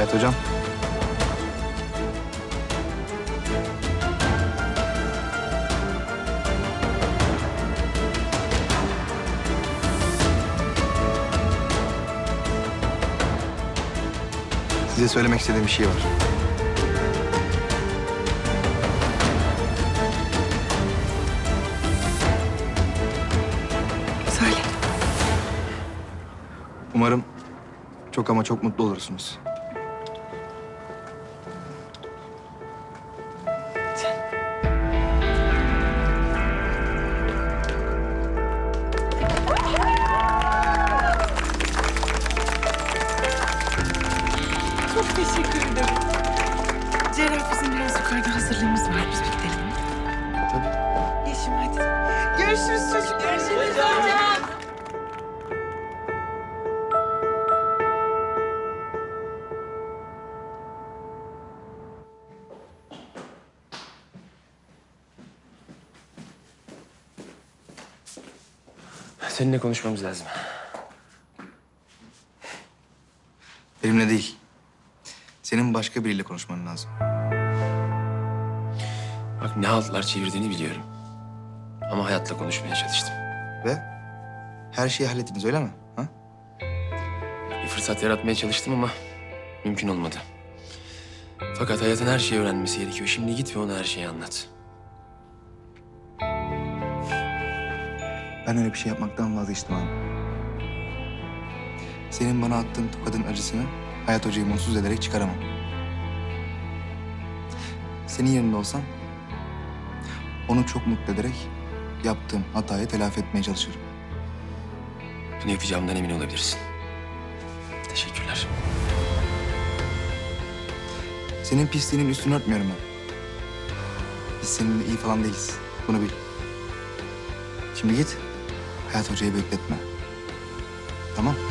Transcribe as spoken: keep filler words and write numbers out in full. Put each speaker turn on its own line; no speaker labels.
Hayat hocam. Size söylemek istediğim bir şey var.
Söyle.
Umarım çok ama çok mutlu olursunuz.
Çok teşekkür ederim. Cerrah, bizim biraz yukarıda hazırlığımız var. Biz bir gidelim mi?
Tabii.
Yeşim hadi. Görüşürüz çocuk. Görüşürüz hocam.
Seninle konuşmamız lazım.
Benimle değil. Senin başka biriyle konuşman lazım.
Bak ne haltlar çevirdiğini biliyorum. Ama Hayat'la konuşmaya çalıştım.
Ve her şeyi hallettiniz öyle mi? Ha?
Bir fırsat yaratmaya çalıştım ama mümkün olmadı. Fakat Hayat'ın her şeyi öğrenmesi gerekiyor. Şimdi git ve ona her şeyi anlat.
Ben öyle bir şey yapmaktan vazgeçtim abi. Senin bana attığın tokadın acısını Hayat Hoca'yı mutsuz ederek çıkaramam. Senin yerinde olsam onu çok mutlu ederek yaptığım hatayı telafi etmeye çalışırım.
Bunu yapacağımdan emin olabilirsin. Teşekkürler.
Senin pisliğinin üstünü örtmüyorum ben. Biz seninle iyi falan değiliz. Bunu bil. Şimdi git. Hayat Hoca'yı bekletme. Tamam?